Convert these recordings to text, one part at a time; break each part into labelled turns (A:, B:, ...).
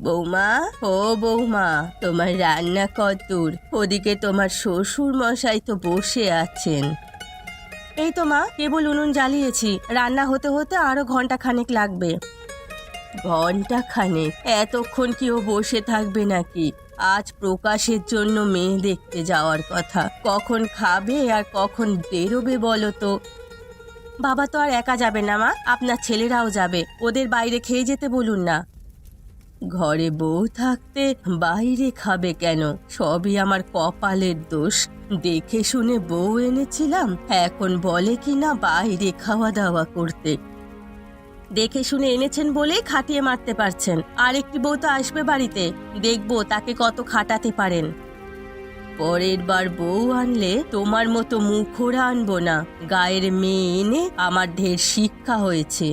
A: বৌমা, ও বৌমা, তোমার রান্না কতদূর? ওদিকে তোমার শ্বশুর মশাই তো বসে আছেন। এই তো মা, কেবল উনুন জ্বালিয়েছি, রান্না হতে হতে আরো ঘন্টা খানেক লাগবে। ঘন্টা খানেক? এতক্ষণ কি ও বসে থাকবে নাকি? আজ প্রকাশের জন্য মেয়ে দেখতে যাওয়ার কথা, কখন খাবে আর কখন বেরোবে বলো তো? বাবা তো আর একা যাবে না মা, আপনার ছেলেরাও যাবে, ওদের বাইরে খেয়ে যেতে বলুন না। ঘরে বউ থাকতে বাইরে খাবে কেন? সবই আমার কপালের দোষ। দেখে শুনে বউ এনেছিলাম, এখন বলে কি না বাইরে খাওয়া দাওয়া করতে। দেখে শুনে এনেছেন বলেই খাটিয়ে মারতে পারছেন। আর একটি বউ তো আসবে বাড়িতে, দেখবো তাকে কত খাটাতে পারেন। পরের বার বউ আনলে তোমার মতো মুখোরা আনবো না। গায়ের মেয়ে এনে আমার ঢের শিক্ষা হয়েছে।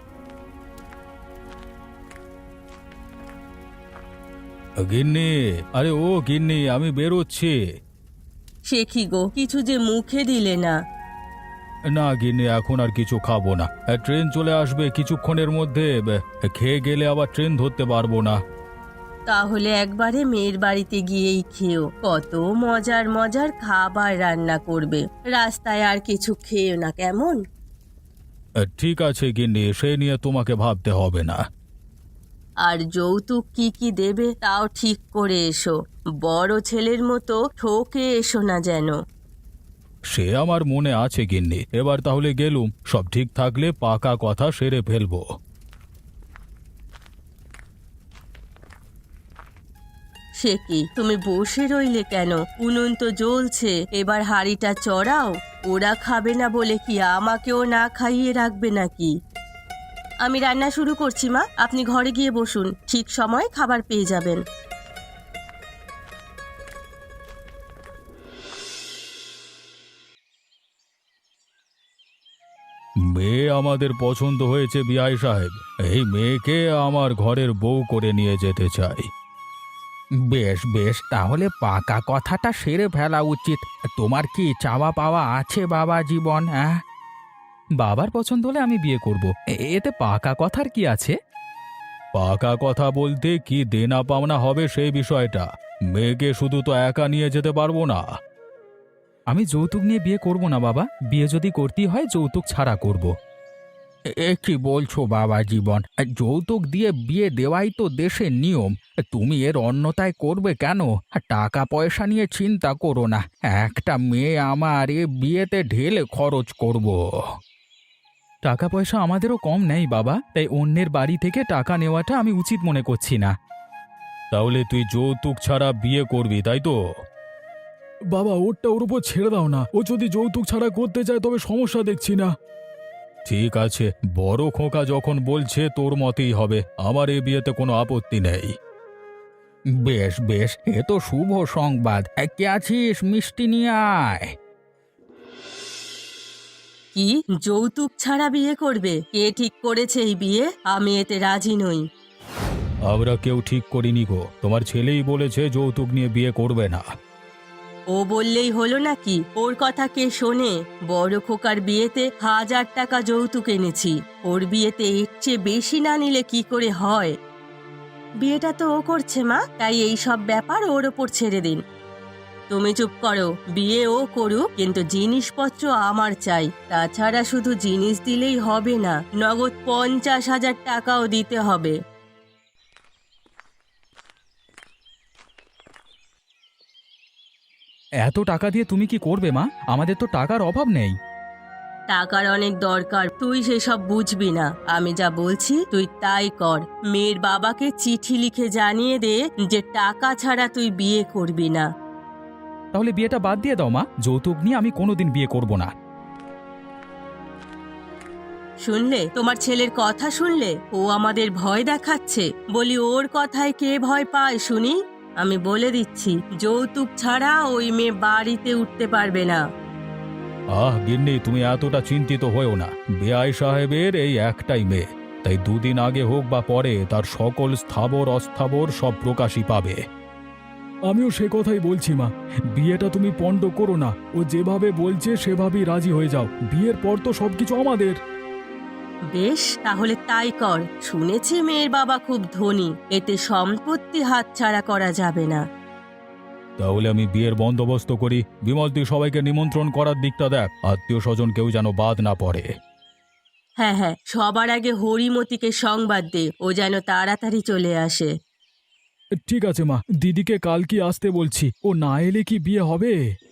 B: গিন্নি, আরে ও গিন্নি, আমি বেরোচ্ছি।
A: সে কি গো, কিছু যে মুখে দিলে না?
B: না গিন্নি, এখন আর কিছু খাবো না। ট্রেন চলে আসবে কিছুক্ষণের মধ্যে। খেয়ে গেলে আবার ট্রেন ধরতে পারবো না।
A: তাহলে একবারে মেয়ের বাড়িতে গিয়েই খেও, কত মজার মজার খাবার রান্না করবে। রাস্তায় আর কিছু খেও না, কেমন?
B: ঠিক আছে গিন্নি, সে নিয়ে তোমাকে ভাবতে হবে না।
A: আর যৌতুক কি কি দেবে তাও ঠিক করে এসো, বড় ছেলের মতো ঠকে এসো না যেন।
B: সে আমার মনে আছে গিন্নি। এবার তাহলে গেলুম, সব ঠিক থাকলে পাকা কথা সেরে ফেলবো।
A: সে কি, তুমি বসে রইলে কেন? উনুন তো জ্বলছে, এবার হাঁড়িটা চড়াও। ওরা খাবে না বলে কি আমাকেও না খাইয়ে রাখবে নাকি? আমি রান্না শুরু করছি মা, আপনি ঘরে গিয়ে বসুন, ঠিক সময়ে খাবার পেয়ে যাবেন।
B: মেয়ে আমাদের পছন্দ হয়েছে বিআই সাহেব। এই মেয়েকে আমার ঘরের বউ করে নিয়ে যেতে চাই।
C: বেশ বেশ, তাহলে পাকা কথাটা সেরে ফেলা উচিত। তোমার কি চাওয়া পাওয়া আছে বাবা জীবন? হ্যাঁ,
D: বাবার পছন্দ হলে আমি বিয়ে করব, এতে পাকা কথার কি আছে?
B: পাকা কথা বলতে কি দেনা পাওনা হবে সেই বিষয়টা। মেয়েকে শুধু তো একা নিয়ে যেতে পারবো না।
D: আমি যৌতুক নিয়ে বিয়ে করব না বাবা, বিয়ে যদি করতেই হয় যৌতুক ছাড়া করব।
C: এ কি বলছো বাবা জীবন? যৌতুক দিয়ে বিয়ে দেওয়াই তো দেশের নিয়ম। তুমি এর অন্যতায় করবে কেন? টাকা পয়সা নিয়ে চিন্তা করো না, একটা মেয়ে আমার এ বিয়েতে ঢেলে খরচ করব।
D: টাকা পয়সা আমাদেরও কম নেই বাবা, তাই অন্যের বাড়ি থেকে টাকা নেওয়াটা আমি উচিত মনে করছি না।
B: তাহলে তুই যৌতুক ছাড়া বিয়ে করবি, তাই তো?
E: বাবা, ওরটা ওর উপর ছেড়ে দাও না। ও যদি যৌতুক ছাড়া করতে চায় তবে সমস্যা দেখছি না।
B: ঠিক আছে, বড় খোকা যখন বলছে তোর মতেই হবে, আমার এ বিয়েতে কোনো আপত্তি নেই।
C: বেশ বেশ, এ তো শুভ সংবাদ। কে আছিস? মিষ্টি নিয়ে আয়।
A: কি, যৌতুক ছাড়া বিয়ে করবে? কে ঠিক করেছে এই বিয়ে? আমি এতে রাজি নই।
B: আমরা কেউ ঠিক করিনি গো, তোমার ছেলেই বলেছে যৌতুক নিয়ে বিয়ে করবে না।
A: ও বললেই হলো নাকি? ওর কথা কে শোনে? বড় খোকার বিয়েতে 1000 টাকা যৌতুক এনেছি, ওর বিয়েতে এর চেয়ে বেশি না নিলে কি করে হয়? বিয়েটা তো ও করছে মা, তাই এই সব ব্যাপার ওর ওপর ছেড়ে দিন। তুমি চুপ করো, বিয়ে ও করুক, কিন্তু জিনিসপত্র আমার চাই। তাছাড়া শুধু জিনিস দিলেই হবে না, নগদ 50,000 টাকাও দিতে হবে।
D: এত টাকা দিয়ে তুমি কি করবে মা? আমাদের তো টাকার অভাব নেই।
A: টাকার অনেক দরকার, তুই সেসব বুঝবি না। আমি যা বলছি তুই তাই কর। মেয়ের বাবাকে চিঠি লিখে জানিয়ে দে যে টাকা ছাড়া তুই বিয়ে করবি না।
D: তাহলে বিয়েটা বাদ দিয়ে দাও মা, যৌতুক নিয়ে আমি কোনোদিন বিয়ে করব না।
A: শুনলে তোমার ছেলের কথা? শুনলে ও আমাদের ভয় দেখাচ্ছে? বলি ওর কথায় কে ভয় পায় শুনি? আমি বলে দিচ্ছি, যৌতুক ছাড়া ওই মেয়ে বাড়িতে উঠতে পারবে না।
B: গিন্নি, তুমি এতটা চিন্তিত হয়েও না। বেআই সাহেবের এই একটাই মেয়ে, তাই দুদিন আগে হোক বা পরে তার সকল স্থাবর অস্থাবর সব প্রকাশই পাবে।
E: আমিও সে কথাই বলছি মা, বিয়েটা তুমি পণ্ড করো না। ও যেভাবে বলছে সেভাবেই রাজি হয়ে যাও। বিয়ের পর তো সবকিছু আমাদের।
A: বেশ, তাহলে তাই কর। শুনেছি মেয়ের বাবা খুব ধনী, এতে সম্পত্তি হাতছাড়া করা যাবে না।
B: তাহলে আমি বিয়ের বন্দোবস্ত করি। বিমল, তুই সবাইকে নিমন্ত্রণ করার দিকটা দেখ, আত্মীয় স্বজন কেউ যেন বাদ না পড়ে।
A: হ্যাঁ হ্যাঁ, সবার আগে হরিমতিকে সংবাদ দে, ও যেন তাড়াতাড়ি চলে আসে।
E: ঠিক আছে মা, দিদিকে কাল কি আসতে বলছি, ও না এলে কি বিয়ে হবে?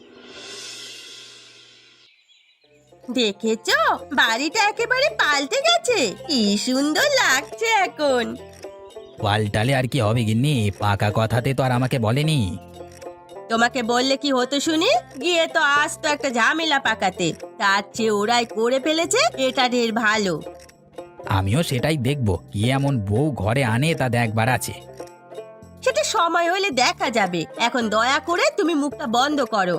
A: দেখেছো, বাড়িটা একেবারে পাল্টে গেছে। কি সুন্দর লাগছে এখন।
C: পাল্টালে আর কি হবে গিন্নি, পাকা কথাতে তো আর আমাকে বলেনি।
A: তোমাকে বললে কি হতো শুনি? গিয়ে তো আসতো একটা ঝামেলা পাকাতে। তার চেয়ে ওরাই করে ফেলেছে, এটা ঢের ভালো।
C: আমিও সেটাই দেখব, কি এমন বউ ঘরে আনে তা দেখবার আছে।
A: সেটা সময় হলে দেখা যাবে। এখন দয়া করে তুমি মুখটা বন্ধ করো।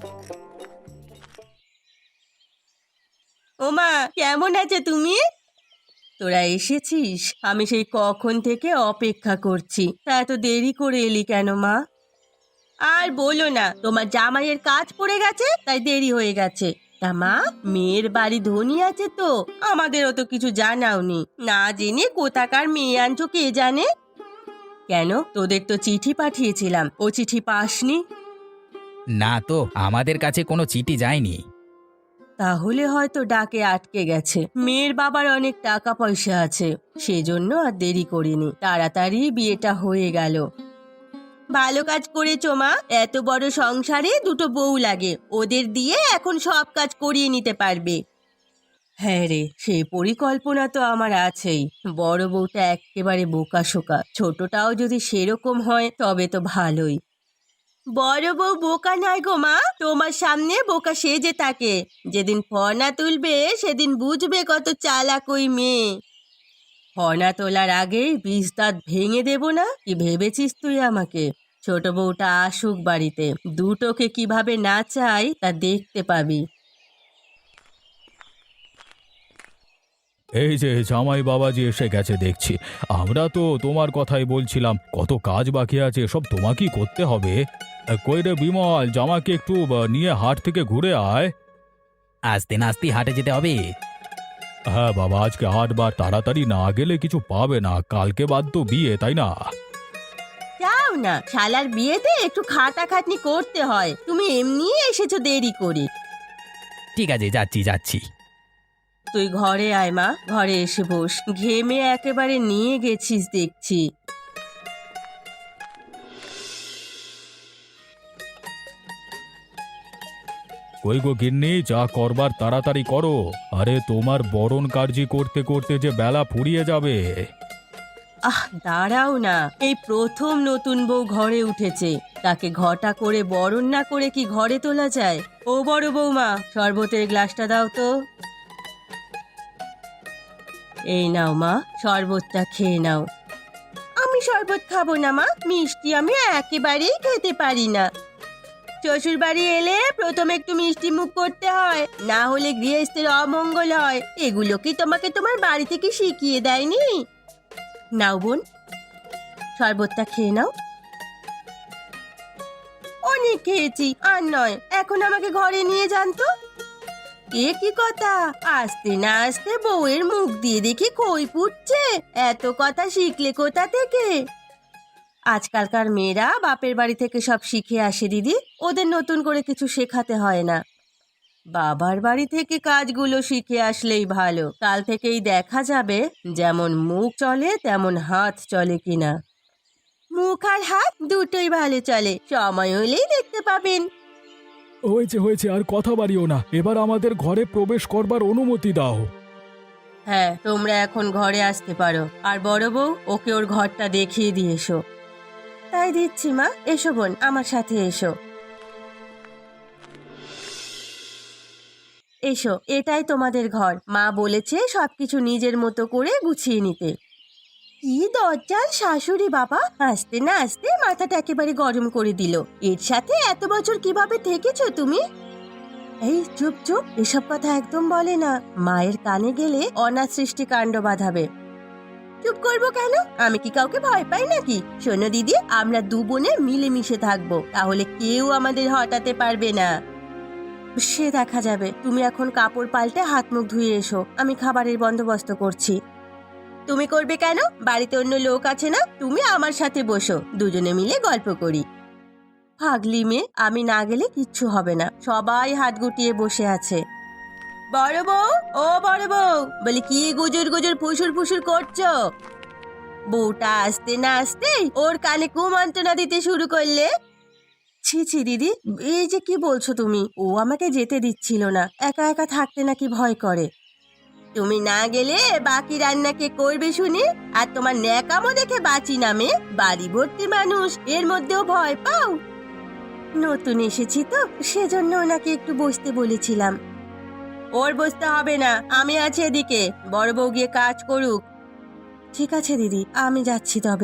A: ওমা, কেমন আছে তুমি? তোরা এসেছিস? আমি সেই কখন থেকে অপেক্ষা করছি। তা এত দেরি করে এলি কেন মা? আর বলো না, তোমার জামাইয়ের কাজ পড়ে গেছে, তাই দেরি হয়ে গেছে। তা মা, মেয়ের বাড়ি ধনী আছে তো, আমাদেরও তো কিছু জানাওনি। না জেনে কোথাকার মেয়ে আনছো কে জানে। কেন, তোদের তো চিঠি পাঠিয়েছিলাম, ও চিঠি পাসনি?
C: না তো, আমাদের কাছে কোনো চিঠি যায়নি।
A: তাহলে হয়তো ডাকে আটকে গেছে। মেয়ের বাবার অনেক টাকা পয়সা আছে, সেজন্য আর দেরি করিনি, তাড়াতাড়ি বিয়েটা হয়ে গেল। ভালো কাজ করেছো মা, এত বড় সংসারে দুটো বউ লাগে, ওদের দিয়ে এখন সব কাজ করিয়ে নিতে পারবে। হ্যাঁ রে, সেই পরিকল্পনা তো আমার আছেই। বড় বউটা একেবারে বোকাশোকা, ছোটটাও যদি সেরকম হয় তবে তো ভালোই। বড় বউ বোকা নয় গো মা, তোমার সামনে বোকা সেজে থাকে। যেদিন ফর্না তুলবে সেদিন বুঝবে কত চালাক ওই মেয়ে। ফর্না তোলার আগেই বিষ দাঁত ভেঙে দেব না, কি ভেবেছিস তুই আমাকে? ছোট বউটা আসুক বাড়িতে, দুটোকে কিভাবে নাচাই তা দেখতে পাবি।
B: এই যে জামাই বাবাজি এসে গেছে দেখছি। আমরা তো তোমার কথাই বলছিলাম, কত কাজ বাকি আছে, সব তোমাকেই করতে হবে। কই রে বিমল, জামাকে একটু নিয়ে হাট থেকে ঘুরে আয়।
C: আস্তে নাস্তে হাটে যেতে হবে।
B: হ্যাঁ বাবা, আজকে হাটবার তাড়াতাড়ি না গেলে কিছু পাবে না। কালকে বাদ তো বিয়ে, তাই না?
A: যাও না, শালার বিয়েতে একটু খাটাখাটনি করতে হয়। তুমি এমনি এসেছো দেরি করে।
C: ঠিক আছে, যাচ্ছি যাচ্ছি।
A: তুই ঘরে আয় মা, ঘরে এসে বস। ঘেমে একেবারে নিয়ে গেছিস দেখছি।
B: কই গো গিন্নি, যা করবার তাড়াতাড়ি করো। আরে তোমার বরণ কার্যি করতে করতে যে বেলা ফুরিয়ে যাবে।
A: দাঁড়াও না, এই প্রথম নতুন বউ ঘরে উঠেছে, তাকে ঘটা করে বরণ না করে কি ঘরে তোলা যায়? ও বড় বৌমা, শরবতের গ্লাসটা দাও তো। এই নাও মা, শরবতটা খেয়ে নাও। আমি শরবত খাবো না মা, মিষ্টি আমি একেবারেই খেতে পারি না। শ্বশুর বাড়ি এলে প্রথমে একটু মিষ্টি মুখ করতে হয়, না হলে গৃহস্থের অমঙ্গল হয়। এগুলো কি তোমাকে তোমার বাড়ি থেকে শিখিয়ে দেয়নি? নাও বোন, শরবতটা খেয়ে নাও। অনেক খেয়েছি, আর নয়। এখন আমাকে ঘরে নিয়ে যান তো। এ কি কথা, আসতে না আসতে বউয়ের মুখ দিয়ে দেখি খই ফুটছে। এত কথা শিখলে কোথা থেকে? আজকালকার মেয়েরা বাপের বাড়ি থেকে সব শিখে আসে দিদি, ওদের নতুন করে কিছু শেখাতে হয় না। বাবার বাড়ি থেকে কাজগুলো শিখে আসলেই ভালো। কাল থেকেই দেখা যাবে যেমন মুখ চলে তেমন হাত চলে কিনা। মুখ আর হাত দুটোই ভালো চলে, সময় হলেই দেখতে পাবেন।
E: হয়েছে হয়েছে, আর কথা বাড়িও না, এবার আমাদের ঘরে প্রবেশ করবার অনুমতি দাও।
A: হ্যাঁ, তোমরা এখন ঘরে আসতে পারো। আর বড় বউ, ওকে ওর ঘরটা দেখিয়ে দিয়ে এসো। তাই দিচ্ছি মা, এসো বোন, আমার সাথে এসো। এসো, এটাই তোমাদের ঘর। মা বলেছে সবকিছু নিজের মতো করে গুছিয়ে নিতে। কি দরজাল শাশুড়ি বাবা, আসতে না আসতে মাথাটা একেবারে গরম করে দিল। এর সাথে এত বছর কিভাবে থেকেছো তুমি? এই চুপ চুপ, এসব কথা একদম বলে না। মায়ের কানে গেলে অনাথ সৃষ্টি কাণ্ড বাঁধাবে। চুপ করবো কেন? আমি কি কাউকে ভয় পাই নাকি? শোনো দিদি, আমরা দু বোনে মিলেমিশে থাকবো, তাহলে কেউ আমাদের হটাতে পারবে না। সে দেখা যাবে, তুমি এখন কাপড় পাল্টে হাত মুখ ধুয়ে এসো, আমি খাবারের বন্দোবস্ত করছি। তুমি করবে কেন? বাড়িতে অন্য লোক আছে না, তুমি আমার সাথে বসো, দুজনে মিলে গল্প করি। পাগলি মেয়ে, আমি না গেলে কিচ্ছু হবে না, সবাই হাত গুটিয়ে বসে আছে। বড় বউ, ও বড় বউ, বলি কি গুজুর গুজুর ফুসুর ফুসুর করছো? বউটা আসতে না আসতেই ওর কানে কুমন্ত্রণা দিতে শুরু করলে। ছি ছি দিদি, এই যে কি বলছো তুমি? ও আমাকে যেতে দিচ্ছিল না, একা একা থাকতে নাকি ভয় করে। তুমি না গেলে বাকি রান্না কে করবে শুনি? আর তোমার ন্যাকামো দেখে বাঁচি নামে বাড়ি ভর্তি মানুষ, এর মধ্যেও ভয় পাও? নতুন এসেছি তো, সেজন্য ওনাকে একটু বসতে বলেছিলাম। ওর বসতে হবে না, আমি আছি এদিকে, বড় বউ গিয়ে কাজ করুক। ঠিক আছে দিদি, আমি যাচ্ছি তবে।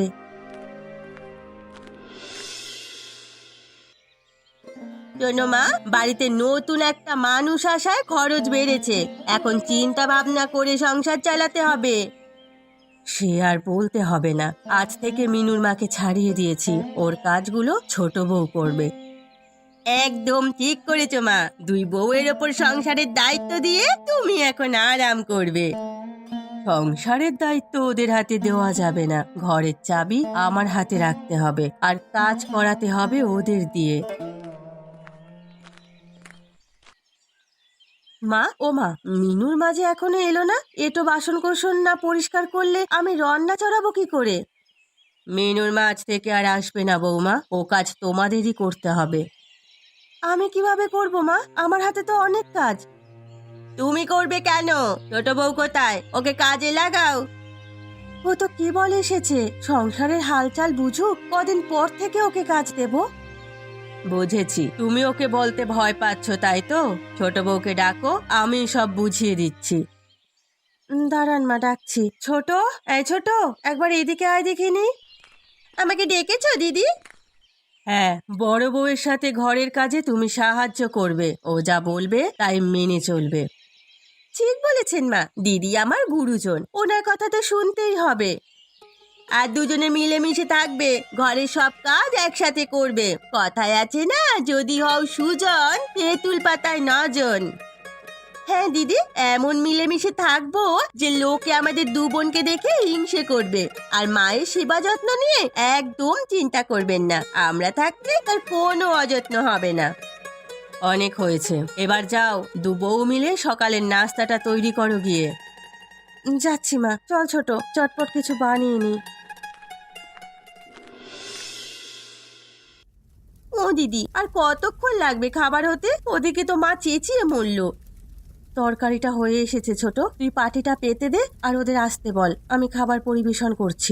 A: শোনো মা, বাড়িতে নতুন একটা মানুষ আসায় খরচ বেড়েছে, এখন চিন্তা ভাবনা করে সংসার চালাতে হবে। সে আর বলতে হবে না, আজ থেকে মিনুর মাকে ছাড়িয়ে দিয়েছি, ওর কাজগুলো ছোট বউ করবে। একদম ঠিক করেছো মা, দুই বউয়ের ওপর সংসারের দায়িত্ব দিয়ে তুমি এখন আরাম করবে। সংসারের দায়িত্ব ওদের হাতে দেওয়া যাবে না, ঘরের চাবি আমার হাতে রাখতে হবে, আর কাজ করাতে হবে ওদের দিয়ে। মা, ও মা, মিনুর মাঝে এখনো এলো না, এটো বাসন কোসন না পরিষ্কার করলে আমি রান্না চড়াবো কি করে? মিনুর মাছ থেকে আর আসবে না বৌমা, ও কাজ তোমাদেরই করতে হবে। আমি কিভাবে করব মা, আমার হাতে তো অনেক কাজ। তুমি করবে কেন? ছোট বউ কোথায়? ওকে কাজে লাগাও। ও তো কি বলে এসেছে, সংসারের হালচাল বুঝুক, কদিন পর থেকে ওকে কাজ দেব। বুঝেছি, তুমি ওকে বলতে ভয় পাচ্ছ তাই তো? ছোট বউকে ডাকো, আমি সব বুঝিয়ে দিচ্ছি। দাঁড়ান মা, ডাকছি। ছোট, এই ছোট, একবার এদিকে আয় দেখিনি। আমাকে ডেকেছো দিদি? হ্যাঁ, বড় বউয়ের সাথে ঘরের কাজে তুমি সাহায্য করবে, ও যা বলবে তাই মেনে চলবে। ঠিক বলেছেন মা, দিদি আমার গুরুজন, ওনার কথা তো শুনতেই হবে। আর দুজনে মিলেমিশে থাকবে, ঘরের সব কাজ একসাথে করবে। কথায় আছে না, যদি হও সুজন, তেঁতুল পাতায় নজন। হ্যাঁ দিদি, এমন মিলেমিশে থাকবো যে লোকে আমাদের দু বোনকে দেখে হিংসে করবে। আর মায়ের সেবা যত্ন নিয়ে একদম চিন্তা করবেন না, আমরা থাকতে তার কোনো অযত্ন হবে না। অনেক হয়েছে, এবার যাও, দু বউ মিলে সকালের নাস্তাটা তৈরি করো গিয়ে। যাচ্ছি মা, চল ছোট, চটপট কিছু বানিয়ে নি। ও দিদি, আর কতক্ষণ লাগবে খাবার হতে? ওদিকে তো মা চেঁচিয়ে মরল। তরকারিটা হয়ে এসেছে ছোট, তুই পাটিটা পেতে দে আর ওদের আসতে বল, আমি খাবার পরিবেশন করছি।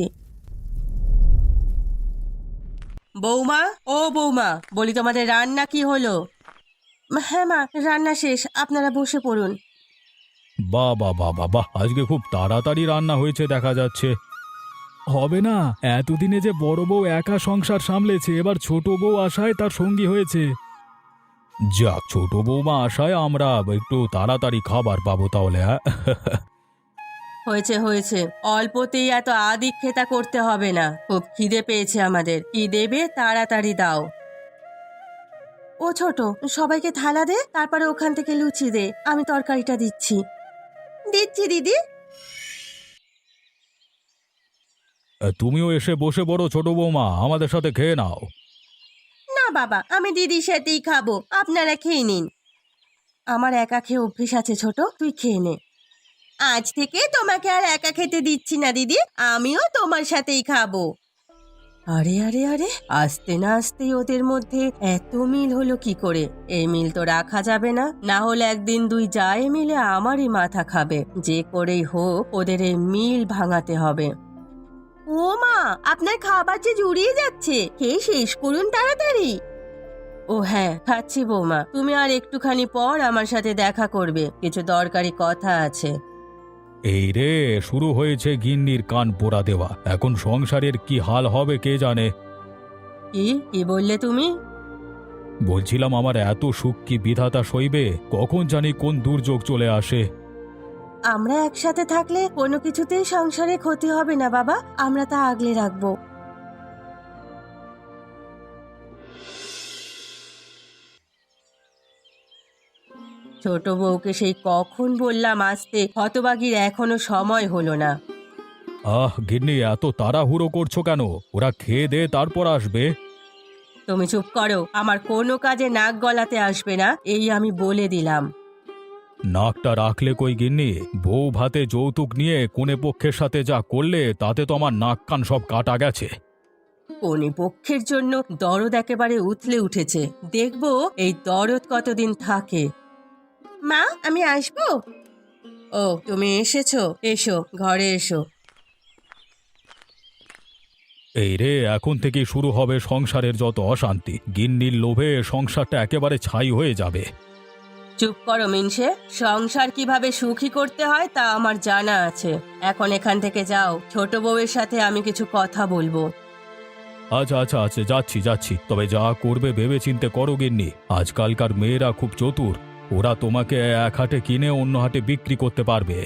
A: বৌমা, ও বৌমা, বলি তোমাদের রান্না কি হলো? হ্যাঁ মা, রান্না শেষ, আপনারা বসে পড়ুন।
B: বাহ বাহ বাহ বাহ বাহ, আজকে খুব তাড়াতাড়ি রান্না হয়েছে দেখা যাচ্ছে।
E: হবে না, এতদিনে যে বড় বউ একা সংসার সামলেছে, এবার ছোট বউ আসায় তার সঙ্গী হয়েছে।
B: যাক, ছোট বৌমা আসায় আমরা একটু তাড়াতাড়ি খাবার পাবো তাহলে, হ্যাঁ?
A: হয়েছে হয়েছে, অল্পতেই এত আদিক্ষেতা করতে হবে না, খুব খিদে পেয়েছে আমাদের, কি দেবে তাড়াতাড়ি দাও। ও ছোট, সবাইকে থালা দে, তারপরে ওখান থেকে লুচি দে, আমি তরকারিটা দিচ্ছি। দিচ্ছি দিদি।
B: তুমিও এসে বসে পড়ো ছোট বৌমা, আমাদের সাথে খেয়ে নাও।
A: না বাবা, আমি দিদির সাথেই খাবো, আপনারা খেয়ে নিন। আমার একা খেয়ে অভ্যেস আছে ছোট, তুই খেয়ে নে। আজ থেকে তোমাকে আর একা খেতে দিচ্ছি না দিদি, আমিও তোমার সাথেই খাবো। আরে আরে আরে, আসতে না আসতেই ওদের মধ্যে এত মিল হলো কি করে? এই মিল তো রাখা যাবে না, না হলে একদিন দুই জায়ে মিলে আমারই মাথা খাবে। যে করেই হোক ওদের এই মিল ভাঙাতে হবে। ও মা, আপনার খাবার যে জুড়িয়ে যাচ্ছে, খেয়ে শেষ করুন তাড়াতাড়ি। ও হ্যাঁ, খাচ্ছি বৌমা, তুমি আর একটুখানি পর আমার সাথে দেখা করবে, কিছু দরকারি কথা আছে।
B: এই রে, শুরু হয়েছে গিন্নির কান পোড়া দেওয়া, এখন সংসারের কি হাল হবে কে জানে।
A: কি কি বললে তুমি?
B: বলছিলাম আমার এত সুখ কি বিধাতা সইবে, কখন জানি কোন দুর্যোগ চলে আসে।
A: আমরা একসাথে থাকলে কোনো কিছুতেই সংসারে ক্ষতি হবে না বাবা, আমরা তা আগলে রাখবো। ছোট বউকে সেই কখন বললাম আসতে, হতবাগির এখনো সময় হলো না।
B: আহ গিন্নি, এত তাড়াহুড়ো করছো কেন? ওরা খেয়ে দে তারপর আসবে।
A: তুমি চুপ করো, আমার কোনো কাজে নাক গলাতে আসবে না, এই আমি বলে দিলাম।
B: নাকটা রাখলে কই গিন্নি? বউ ভাতে যৌতুক নিয়ে কোনে পক্ষের সাথে যা করলে তাতে তো আমার নাক কান সব কাটা গেছে।
A: কোনি পক্ষের জন্য দরদ একেবারে উথলে উঠেছে, দেখবো এই দরদ কতদিন থাকে। মা, আমি আসবো? ও, তুমি এসেছো, এসো ঘরে এসো।
B: এই রে, এখন থেকে শুরু হবে সংসারের যত অশান্তি। গিন্নির লোভে সংসারটা একেবারে ছাই হয়ে যাবে।
A: চুপ করো মিনসে, সংসার কিভাবে সুখী করতে হয় তা আমার জানা আছে। এখন এখান থেকে যাও, ছোট বউয়ের সাথে আমি কিছু কথা বলবো।
B: আচ্ছা আচ্ছা আচ্ছা, যাচ্ছি যাচ্ছি, তবে যা করবে ভেবে চিন্তে করো গিন্নি। আজকালকার মেয়েরা খুব চতুর, ওরা তোমাকে এক হাটে কিনে অন্য হাটে বিক্রি করতে পারবে।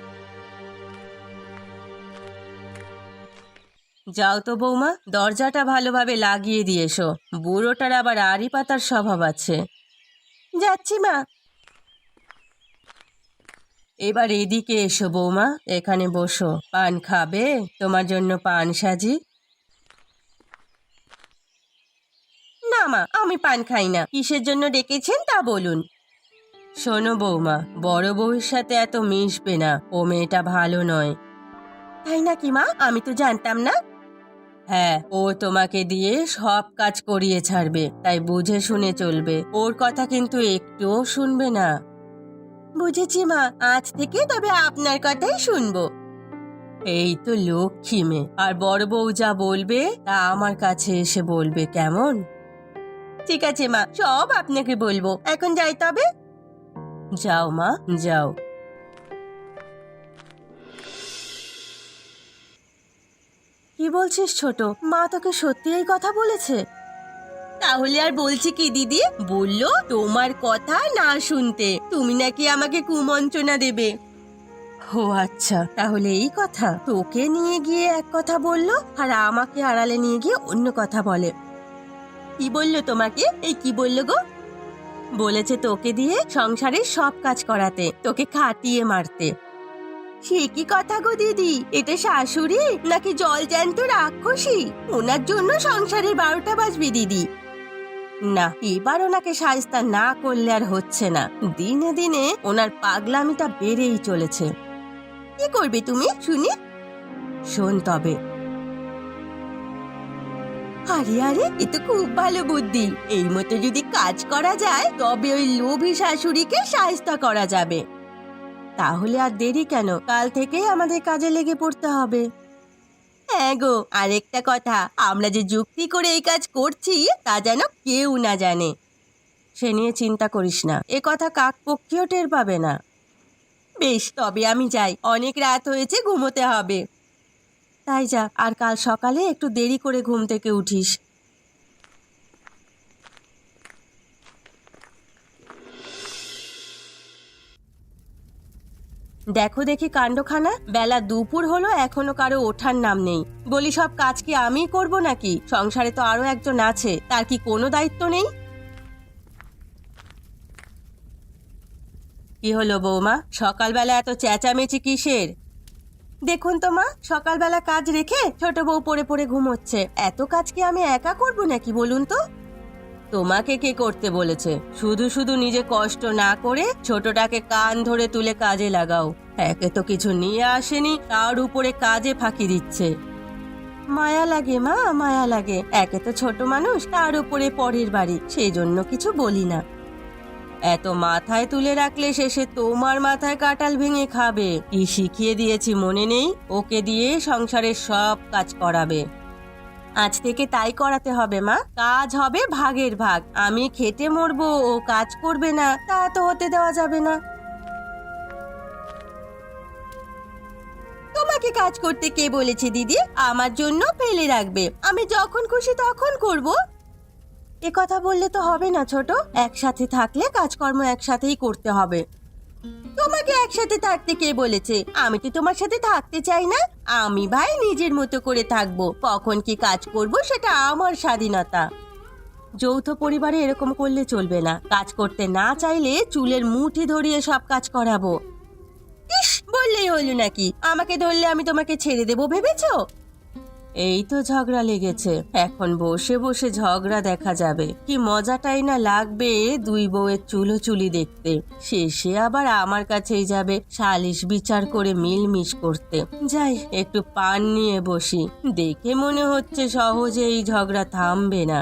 A: যাও তো বৌমা, দরজাটা ভালোভাবে লাগিয়ে দিয়ে এসো, বুড়োটার আবার আড়ি পাতার স্বভাব আছে। যাচ্ছি মা। এবার এদিকে এসো বৌমা, এখানে বসো। পান খাবে? তোমার জন্য পান সাজি। না মা, আমি পান খাই না। কিসের জন্য ডেকেছেন তা বলুন। শোনো বৌমা, বড় বউয়ের সাথে এত মিশবে না, ও মেয়েটা ভালো নয়। তাই নাকি মা? আমি তো জানতাম না। হ্যাঁ, ও তোমাকে দিয়ে সব কাজ করিয়ে ছাড়বে, তাই বুঝে শুনে চলবে। ওর কথা কিন্তু একটুও শুনবে না। বুঝেছি মা, আজ থেকে তবে আপনার কথাই শুনবো। এই তো লক্ষ্মী মেয়ে। আর বড় বউ যা বলবে তা আমার কাছে এসে বলবে, কেমন? ঠিক আছে মা, সব আপনাকে বলবো। এখন যাই তবে। যাও মা, যাও। কি বলছিস ছোট? মা তোকে সত্যি এই কথা বলেছে? তাহলে আর বলছি কি দিদি, বললো তোমার কথা না শুনতে, তুমি নাকি আমাকে কুমন্ত্রণা দেবে। ও আচ্ছা, তাহলে এই কথা। তোকে নিয়ে গিয়ে এক কথা বললো আর আমাকে আড়ালে নিয়ে গিয়ে অন্য কথা বলে। কি বললো তোমাকে? এই কি বললো গো? বলেছে তোকে দিয়ে সংসারের সব কাজ করাতে, তোকে খাটিয়ে মারতে। সে কি কথা গো দিদি? এটা শাশুড়ি নাকি জল জ্যান্ত রাক্ষসী? ওনার জন্য সংসারের 12টা বাজবে দিদি। না, এবার ওনাকে শায়েস্তা না করলে আর হচ্ছে না। দিনে দিনে ওনার পাগলামিটা বেড়েই চলেছে। কি করবে তুমি শুনি? শোন তবে। আরে আরে, এ তো খুব ভালো বুদ্ধি। এই মতো যদি কাজ করা যায় তবে ওই লোভী শাশুড়িকে শায়েস্তা করা যাবে। তাহলে আর দেরি কেন? কাল থেকেই আমাদের কাজে লেগে পড়তে হবে। হ্যাঁ গো, আরেকটা কথা, আমরা যে যুক্তি করে এই কাজ করছি তা যেন কেউ না জানে। সে নিয়ে চিন্তা করিস না, এ কথা কাকপক্ষীও টের পাবে না। বেশ, তবে আমি যাই, অনেক রাত হয়েছে, ঘুমোতে হবে। তাই যা, আর কাল সকালে একটু দেরি করে ঘুম থেকে উঠিস। দেখো দেখি কাণ্ডখানা, বেলা দুপুর হলো, এখনো কারো ওঠার নাম নেই। বলি, সব কাজ কি আমিই করব নাকি? সংসারে তো আরো একজন আছে, তার কি কোনো দায়িত্ব নেই? কি হলো বৌমা, সকালবেলা এত চেঁচামেচি কিসের? দেখুন তো মা, সকালবেলা কাজ রেখে ছোট বউ পড়ে পড়ে ঘুমোচ্ছে। এত কাজ কি আমি একা করব নাকি বলুন তো? তোমাকে কে করতে বলেছে? শুধু শুধু নিজে কষ্ট না করে ছোটটাকে কান ধরে তুলে কাজে লাগাও। একে তো কিছু নিয়ে আসেনি, তার উপরে কাজে ফাঁকি দিচ্ছে। মায়া লাগে মা, মায়া লাগে। একে তো ছোট মানুষ, তার উপরে পরের বাড়ি, সেই জন্য কিছু বলি না। এত মাথায় তুলে রাখলে শেষে তোমার মাথায় কাঁঠাল ভেঙে খাবে। কি শিখিয়ে দিয়েছি মনে নেই? ওকে দিয়ে সংসারের সব কাজ করাবে। আজ থেকে তাই করাতে হবে মা। কাজ হবে ভাগের ভাগ। আমি খেটে মরবো, ও কাজ করবে না, তা তো হতে দেওয়া যাবে না। তোমাকে কাজ করতে কে বলেছে দিদি? আমার জন্য ফেলে রাখবে, আমি যখন খুশি তখন করব। এ কথা বললে তো হবে না ছোট। একসাথে থাকলে কাজকর্ম একসাথেই করতে হবে। তোমাকে একসাথে থাকতে কে বলেছে? আমি তো তোমার সাথে থাকতে চাই না। আমি ভাই নিজের মতো করে থাকবো, কখন কি কাজ করব সেটা আমার স্বাধীনতা। যৌথ পরিবারে এরকম করলে চলবে না। কাজ করতে না চাইলে চুলের মুঠি ধরিয়ে সব কাজ করাবো। ইস, বললেই হলো নাকি? আমাকে ধরলে আমি তোমাকে ছেড়ে দেবো ভেবেছো? এই তো ঝগড়া লেগেছে, এখন বসে বসে ঝগড়া দেখা যাবে। কি মজাটাই না লাগবে দুই বউয়ের চুলোচুলি দেখতে। শেষে আবার আমার কাছেই যাবে সালিশ বিচার করে মিলমিশ করতে। যাই একটু পান নিয়ে বসি, দেখে মনে হচ্ছে সহজে এই ঝগড়া থামবে না।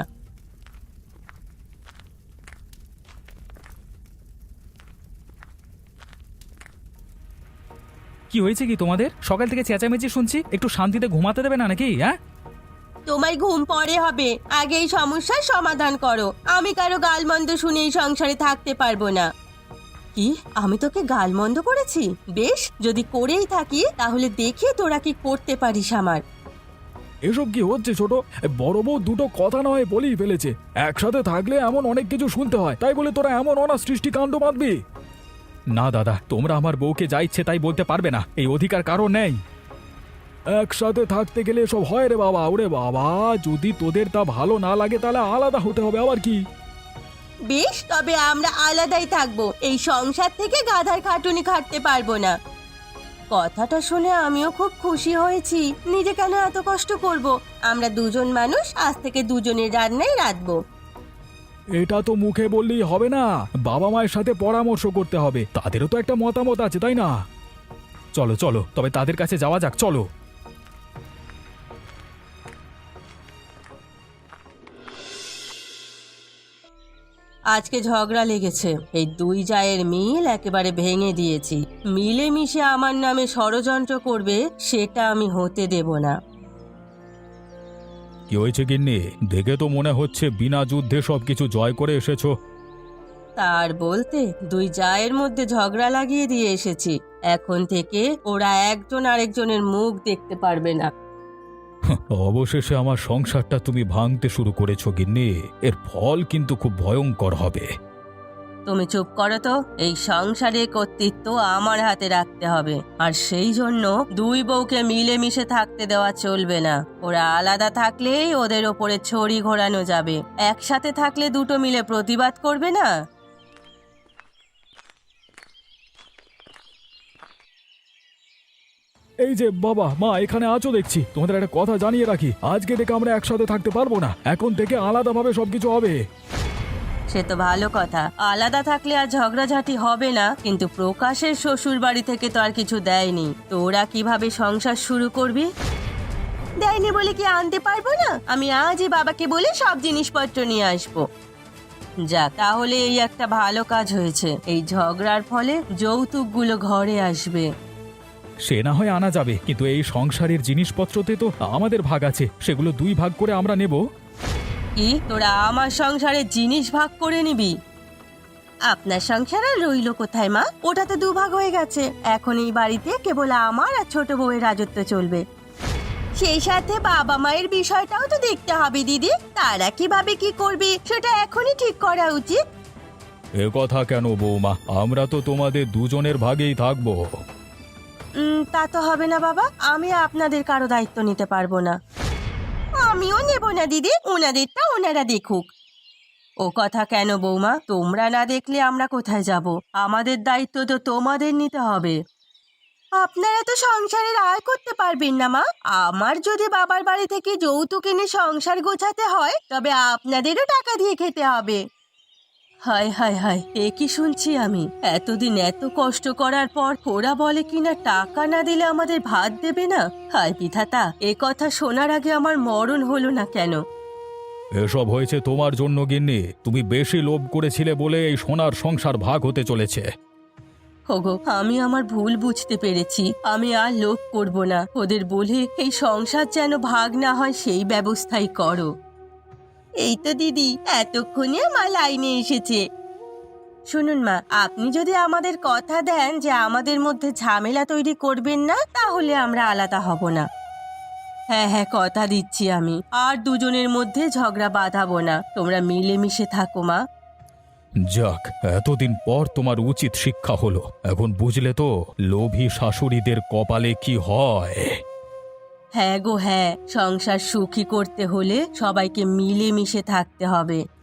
D: কি হয়েছে কি তোমাদের? সকাল থেকে চেঁচামেচি শুনছি, একটু শান্তিতে ঘুমাতে দেবে না নাকি? হ্যাঁ,
A: তোমার ঘুম পরে হবে, আগে এই সমস্যার সমাধান করো। আমি কারো গালমন্দ শুনে এই সংসারে থাকতে পারবো না। কি, আমি তোকে গালমন্দ করেছি? বেশ, যদি করেই থাকি তাহলে দেখি তোরা কি করতে পারিস আমার।
E: এসব কি হচ্ছে ছোট? বড় বউ দুটো কথা নয় বলেই ফেলেছে। একসাথে থাকলে এমন অনেক কিছু শুনতে হয়, তাই বলে তোরা এমন অনাসৃষ্টি কাণ্ড বাঁধবি?
D: না দাদা, তোমরা আমার বউকে যা ইচ্ছে তাই বলতে পারবে না, এই অধিকার কারো নেই।
E: একসাথে থাকতে গেলে এসব হয় রে বাবা। ওরে বাবা, যদি তোদের তা ভালো না লাগে তাহলে আলাদা হতে হবে। আবার কি?
A: বেশ, তবে আমরা আলাদাই থাকবো। এই সংসার থেকে গাধার খাটুনি খাটতে পারবো না। কথাটা শুনে আমিও খুব খুশি হয়েছি। নিজে কেন এত কষ্ট করব? আমরা দুজন মানুষ, আজ থেকে দুজনের রান্নায় রাঁধবো।
E: এটা তো মুখে বললেই হবে না, বাবা মায়ের সাথে পরামর্শ করতে হবে। তাদেরও তো একটা মতামত আছে, তাই না?
D: চলো চলো, তবে তাদের কাছে যাওয়া যাক, চলো।
A: আজকে ঝগড়া লেগেছে, এই দুই জায়ের মিল একেবারে ভেঙে দিয়েছি। মিলেমিশে আমার নামে ষড়যন্ত্র করবে, সেটা আমি হতে দেব না।
B: কি হয়েছে গিন্নি? দেখে তো মনে হচ্ছে বিনা যুদ্ধে সবকিছু জয় করে এসেছো।
A: তার বলতে দুই জায়ের মধ্যে ঝগড়া লাগিয়ে দিয়ে এসেছি। এখন থেকে ওরা একজন আরেকজনের মুখ দেখতে পারবে না।
B: অবশেষে আমার সংসারটা তুমি ভাঙতে শুরু করেছো গিন্নি, এর ফল কিন্তু খুব ভয়ঙ্কর হবে।
A: তুমি চুপ করো তো। এই সংসারের কর্তৃত্ব আমার হাতে রাখতে হবে, আর সেই জন্য দুই বউকে মিলেমিশে থাকতে দেওয়া চলবে না। ওরা আলাদা থাকলেই ওদের ওপরে ছড়ি ঘোরানো যাবে, একসাথে থাকলে দুটো মিলে প্রতিবাদ করবে না।
E: এই যে বাবা মা এখানে আছো দেখছি, তোমাদের একটা কথা জানিয়ে রাখি, আজকে থেকে আমরা একসাথে থাকতে পারবো না। এখন থেকে আলাদাভাবে সবকিছু হবে।
A: সে তো ভালো কথা, আলাদা থাকলে আর ঝগড়াঝাটি হবে না। কিন্তু প্রকাশের শ্বশুর বাড়ি থেকে তো আর কিছু দেয়নি, তোরা কিভাবে সংসার শুরু করবি? দেয়নি বলে কি আনতে পারবো না? আমি আজই বাবাকে বলে সব জিনিসপত্র নিয়ে আসবো। যাক, তাহলে এই একটা ভালো কাজ হয়েছে। এই ঝগড়ার ফলে যৌতুকগুলো ঘরে আসবে।
D: সে না হয় আনা যাবে, কিন্তু এই সংসারের জিনিসপত্রতে তো আমাদের ভাগ আছে, সেগুলো দুই ভাগ করে আমরা নেব।
A: কি, তোরা আমার সংসারে জিনিস ভাগ করে নিবি? আপনার সংসার আর রইল কোথায় মা? ওটা তো দুভাগ হয়ে গেছে। এখন এই বাড়িতে কেবল আমার আর ছোট বউয়ের রাজত্ব চলবে। সেই সাথে বাবা মায়ের বিষয়টাও তো দেখতে হবে দিদি। তারা কিভাবে কি করবে সেটা এখনই ঠিক করা উচিত।
B: এ কথা কেন বৌমা, আমরা তো তোমাদের দুজনের ভাগেই থাকবো।
A: তা তো হবে না বাবা, আমি আপনাদের কারো দায়িত্ব নিতে পারবো না। আমিও নেব না দিদি, ওনাদেরটা ওনারা দেখুক। ও কথা কেন বৌমা? তোমরা না দেখলে আমরা কোথায় যাব? আমাদের দায়িত্ব তো তোমাদের নিতে হবে। আপনারা তো সংসারের আয় করতে পারবেন না মা। আমার যদি বাবার বাড়ি থেকে যৌতুক এনে সংসার গোছাতে হয়, তবে আপনাদেরও টাকা দিয়ে খেতে হবে। হায় হায় হায়, এ কি শুনছি আমি? এতদিন এত কষ্ট করার পর ওরা বলে কিনা টাকা না দিলে আমাদের ভাত দেবে না। হায় বিধাতা, এ কথা শোনার আগে আমার মরণ হলো না কেন?
B: এসব হয়েছে তোমার জন্য গিন্নি, তুমি বেশি লোভ করেছিলে বলে এই সোনার সংসার ভাগ হতে চলেছে।
A: ওগো, আমি আমার ভুল বুঝতে পেরেছি। আমি আর লোভ করব না। ওদের বলে এই সংসার যেন ভাগ না হয় সেই ব্যবস্থাই করো। এই তো দিদি, এতক্ষণে আমার লাইনে এসেছে। শুনুন মা, আপনি যদি আমাদের কথা দেন যে আমাদের মধ্যে ঝামেলা তৈরি করবেন না, তাহলে আমরা আলাদা হব না। হ্যাঁ হ্যাঁ, কথা দিচ্ছি আমি আর দুজনের মধ্যে ঝগড়া বাঁধাবো না। তোমরা মিলেমিশে থাকো মা।
B: যাক, এতদিন পর তোমার উচিত শিক্ষা হলো। এখন বুঝলে তো লোভী শাশুড়িদের কপালে কি হয়।
A: হ্যাঁ গো হ্যাঁ, সংসার সুখী করতে হলে সবাইকে মিলেমিশে থাকতে হবে।